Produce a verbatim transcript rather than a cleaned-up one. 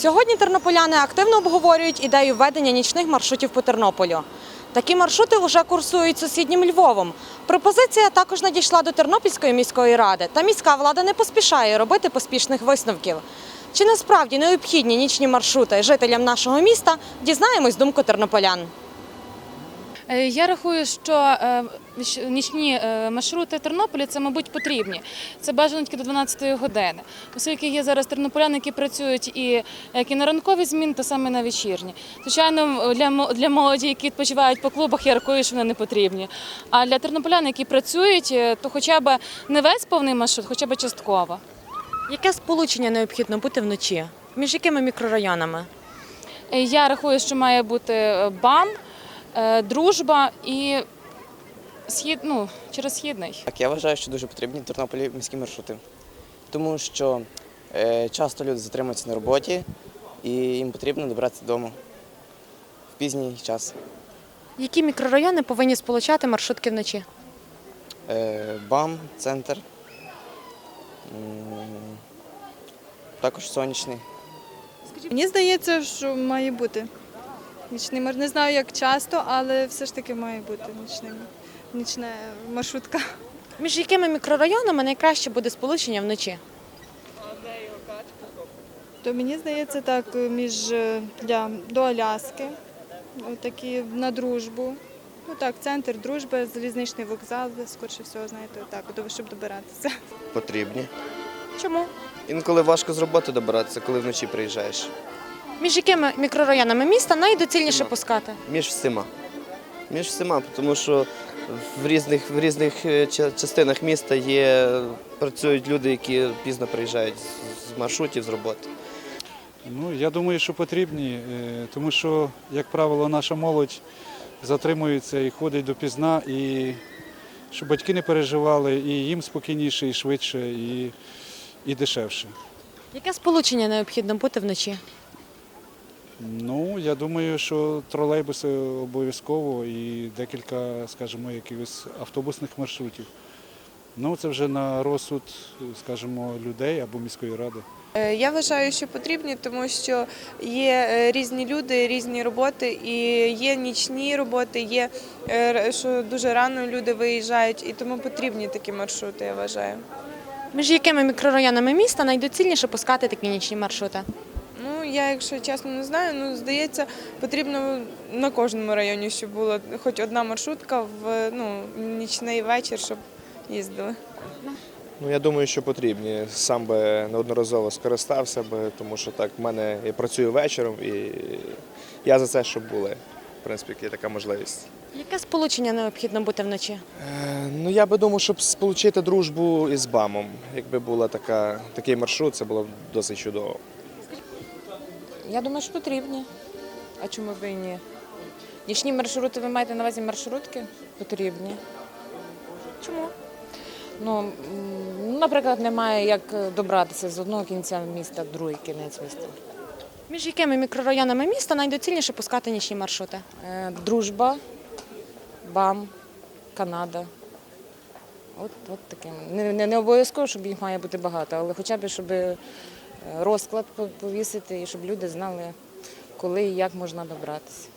Сьогодні тернополяни активно обговорюють ідею введення нічних маршрутів по Тернополю. Такі маршрути вже курсують сусіднім Львовом. Пропозиція також надійшла до Тернопільської міської ради, та міська влада не поспішає робити поспішних висновків. Чи насправді необхідні нічні маршрути жителям нашого міста, дізнаємось думку тернополян. Я рахую, що нічні маршрути Тернополя – це, мабуть, потрібні. Це бажано тільки до дванадцятої години. Оскільки є зараз тернополяни, які працюють і як і на ранкові зміни, то саме на вечірні. Звичайно, для молоді, які відпочивають по клубах, я рахую, що вони не потрібні. А для тернополян, які працюють, то хоча б не весь повний маршрут, хоча б частково. Яке сполучення необхідно бути вночі? Між якими мікрорайонами? Я рахую, що має бути БАМ, Дружба і схід, ну, через Східний. Так, я вважаю, що дуже потрібні в Тернополі міські маршрути, тому що е, часто люди затримуються на роботі і їм потрібно добратися додому в пізній час. Які мікрорайони повинні сполучати маршрутки вночі? Е, БАМ, центр, також сонячний. Мені здається, що має бути нічний маршрут. Не знаю, як часто, але все ж таки має бути нічний, нічна маршрутка. Між якими мікрорайонами найкраще буде сполучення вночі? То мені здається, так, між для до Аляски, такі на Дружбу. Ну так, центр, Дружба, залізничний вокзал, скоріше всього, знаєте, так, щоб добиратися. Потрібні. Чому? Інколи важко з роботи добиратися, коли вночі приїжджаєш. Між якими мікрорайонами міста найдоцільніше Всіма. пускати? Між всіма. Між всіма, тому що в різних, в різних частинах міста є, працюють люди, які пізно приїжджають з маршрутів, з роботи. Ну, я думаю, що потрібні, тому що, як правило, наша молодь затримується і ходить допізна, і щоб батьки не переживали, і їм спокійніше, і швидше, і, і дешевше. Яке сполучення необхідно бути вночі? Ну, я думаю, що тролейбуси обов'язково і декілька, скажімо, якихось автобусних маршрутів. Ну, це вже на розсуд, скажімо, людей або міської ради. Я вважаю, що потрібні, тому що є різні люди, різні роботи, і є нічні роботи, є, що дуже рано люди виїжджають, і тому потрібні такі маршрути, я вважаю. Між якими мікрорайонами міста найдоцільніше пускати такі нічні маршрути? Ну, я, якщо чесно, не знаю, ну, здається, потрібно на кожному районі, щоб була хоч одна маршрутка в ну, нічний вечір, щоб їздили. Ну, я думаю, що потрібні. Сам би неодноразово скористався би, тому що так в мене я працюю вечором і я за це, щоб були. В принципі, є така можливість. Яке сполучення необхідно бути вночі? Е, ну, я би думав, щоб сполучити Дружбу із БАМом. Якби була така, такий маршрут, це було б досить чудово. Я думаю, що потрібні. А чому б і ні? Нічні маршрути, ви маєте на увазі маршрутки? Потрібні. Чому? Ну, наприклад, немає як добратися з одного кінця міста в другий кінець міста. Між якими мікрорайонами міста найдоцільніше пускати нічні маршрути? Е, Дружба, БАМ, Канада. От, от таким. Не, не, не обов'язково, щоб їх має бути багато, але хоча б, щоб розклад повісити і щоб люди знали, коли і як можна добратися.